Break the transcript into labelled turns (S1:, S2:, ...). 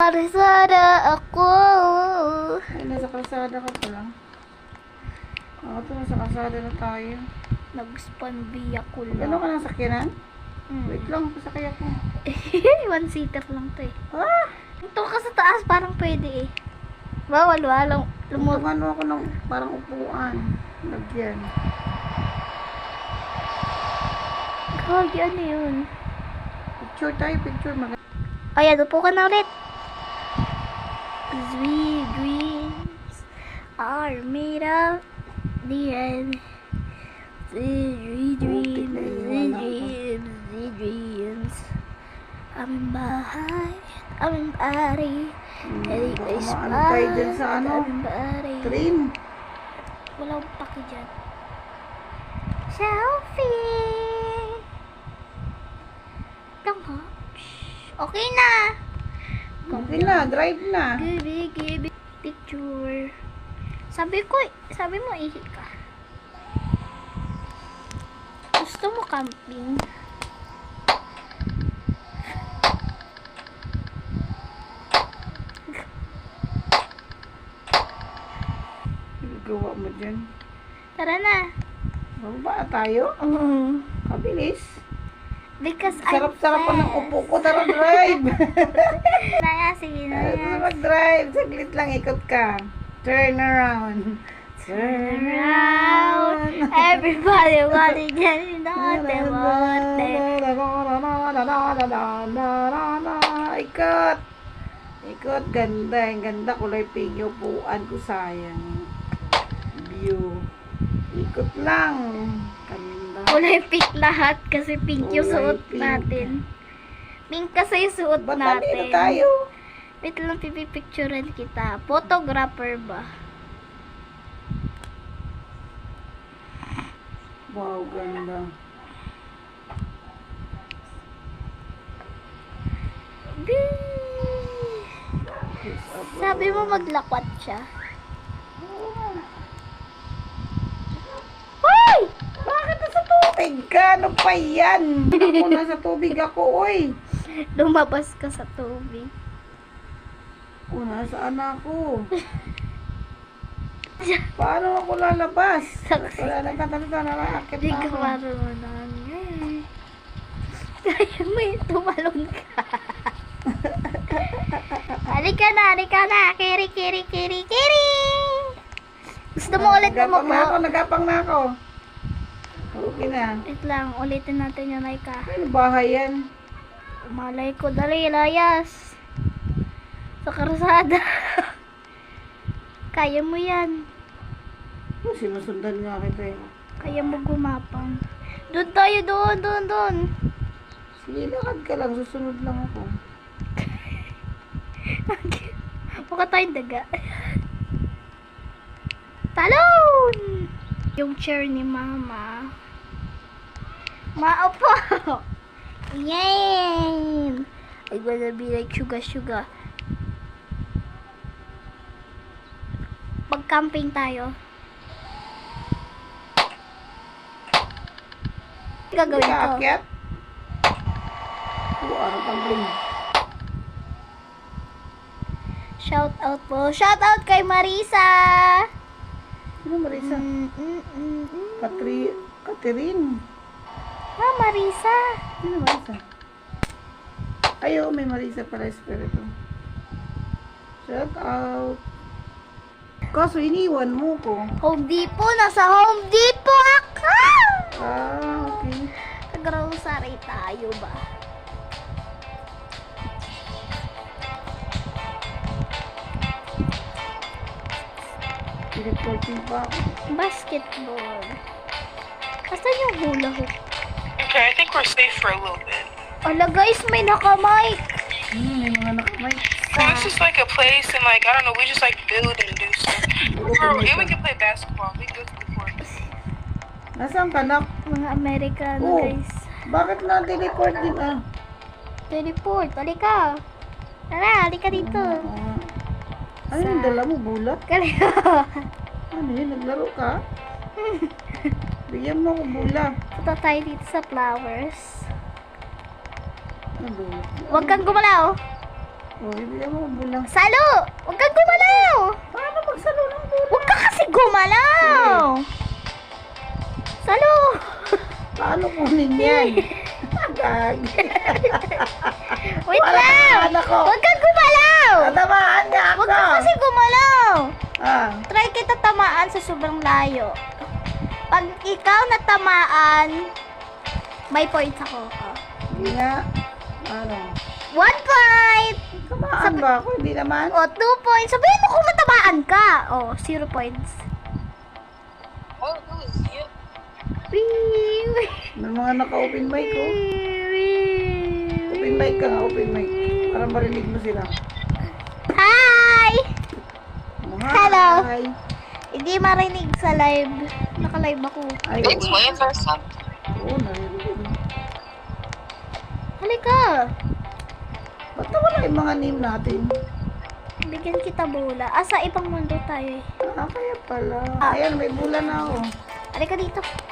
S1: kalsada ako.
S2: Ay, nasa kalsada ka pa lang. Ako to, nasa kalsada na tayo.
S1: Nag-spanby ako
S2: Gano'n ka
S1: lang.
S2: ng sakyanan? Wait lang, pasakay ako.
S1: One-seater lang to eh.
S2: Ah!
S1: Ito ka sa taas, parang pwede eh. Bawal, walang
S2: Tumano ako ng parang upuan. Lagyan.
S1: Gagi, ano yun?
S2: Picture tayo, picture.
S1: Ayan, upo ka na ulit. Sweet dreams are made of the end. Sweet dreams, sweet dreams, sweet dreams. I'm in body.
S2: Ano tayo dyan sa ano? Train.
S1: Wala akong paki dyan. Selfie! Lang ha? Okay na!
S2: Okay na, drive na.
S1: Give picture. Sabi mo ihi ka. Gusto mo camping?
S2: Gawa mo dyan.
S1: Tara na.
S2: Bababa tayo? Kabilis.
S1: Because
S2: Sarap-sarap pa ng upo ko. Tara, drive.
S1: Sige na.
S2: Tara, mag-drive. Saglit lang, ikot ka. Turn around. Turn around.
S1: Everybody wanted to know
S2: Ikot. Ikot. Ganda. Ang ganda. Kulay pink yung upuan ko. Sayang. View. Ikot lang. Ganda.
S1: kulay pink lahat kasi pink yung
S2: Kulay
S1: suot
S2: pink.
S1: natin. Pink kasi yung suot
S2: Ba't nandito
S1: natin.
S2: tayo?
S1: Wait lang, pipipicturean kita. Photographer ba?
S2: Wow, ganda.
S1: Sabi mo maglakwat siya.
S2: Hoy! Bakit nasa tubig ka? Ano pa yan? Ako nasa tubig ako, oy.
S1: Lumabas ka sa tubig.
S2: O, nasaan ako? Paano ako lalabas? Wala nagtatalita na nakakit
S1: Hindi ka
S2: ako.
S1: marunong. Kaya mo yung tumalon ka. Halika na. Kiri. Gusto mo ulit umupo?
S2: Nagapang na ako. Okay na.
S1: Wait lang, ulitin natin yung like ka.
S2: Ano bahay yan?
S1: Malay ko, dali, layas. Sa karsada. Kaya mo yan.
S2: Oh, sinusundan nga kita eh.
S1: Kaya mo gumapang. Doon tayo, doon.
S2: Sige, lakad ka lang. Susunod lang ako.
S1: Mukha tayong daga. Talon! Yung chair ni mama. Maupo! Yan! I wanna be like suga. Pag-camping tayo. Gagawin ko.
S2: Kaakyat? Ano pang bling?
S1: Shout out po. Shout out kay Marisa!
S2: Sino Marisa? Catherine.
S1: Ah, Marisa!
S2: Sino Marisa? Ayo, may Marisa para espiritu. Shout out. Kaso iniwan mo ko.
S1: Home Depot! Nasa Home Depot ako!
S2: Ah, okay.
S1: Nag-grocery tayo ba?
S2: Reporting pa ako.
S1: Basketball. Asan yung hula hoop?
S3: Okay, I think we're safe for a little bit.
S1: Ala guys, may naka-mic!
S2: May mga nakamay.
S3: So this is like a place and like, I don't know, we just like build and do stuff. And we can play basketball. We can go to the court.
S2: Nasaan ka na?
S1: Mga Amerikano
S2: Oh.
S1: guys.
S2: Bakit na-teleport din ah?
S1: Teleport, halika! Tara, halika dito.
S2: Ano yung dala mo? Bulat?
S1: Kalito.
S2: Ano yun? Naglaro ka? Bigyan mo ako bula.
S1: Punta tayo dito sa flowers.
S2: Ano?
S1: Huwag kang gumalaw.
S2: Oh, hindi mo bulang.
S1: Salo! Huwag kang gumalaw!
S2: Paano magsalo ng bulang?
S1: Huwag ka kasi gumalaw! Salo!
S2: Paano kunin yan? Gagi.
S1: Wait
S2: Wala
S1: lang!
S2: naman ako.
S1: Huwag kang gumalaw!
S2: Tatamaan niya ako.
S1: Huwag ka kasi gumalaw!
S2: Ah,
S1: Try kita tamaan sa sobrang layo. Pag ikaw natamaan, may points ako. Oh.
S2: hindi nga. Ano?
S1: 1 point!
S2: Tamaan ba ako? Hindi naman.
S1: O, 2 points. Sabihin mo kung natamaan ka. O, 0 points.
S3: Oh, who is you?
S1: Wee, wee,
S2: May mga naka-open mic ko.
S1: wee,
S2: Open mic ka nga, open mic. Para marinig mo sila.
S1: Hi!
S2: Oh,
S1: Hello.
S2: hi.
S1: Hindi marinig sa live. Naka-live ako.
S2: Ay,
S3: Big
S2: oo.
S3: twins or something?
S2: Oo, narinig.
S1: Halika.
S2: Ba't nawala yung mga name natin?
S1: Bigyan kita bola. Sa ibang mundo tayo eh.
S2: Ah, kaya pala. Ayan, may bulan na ako.
S1: Halika dito.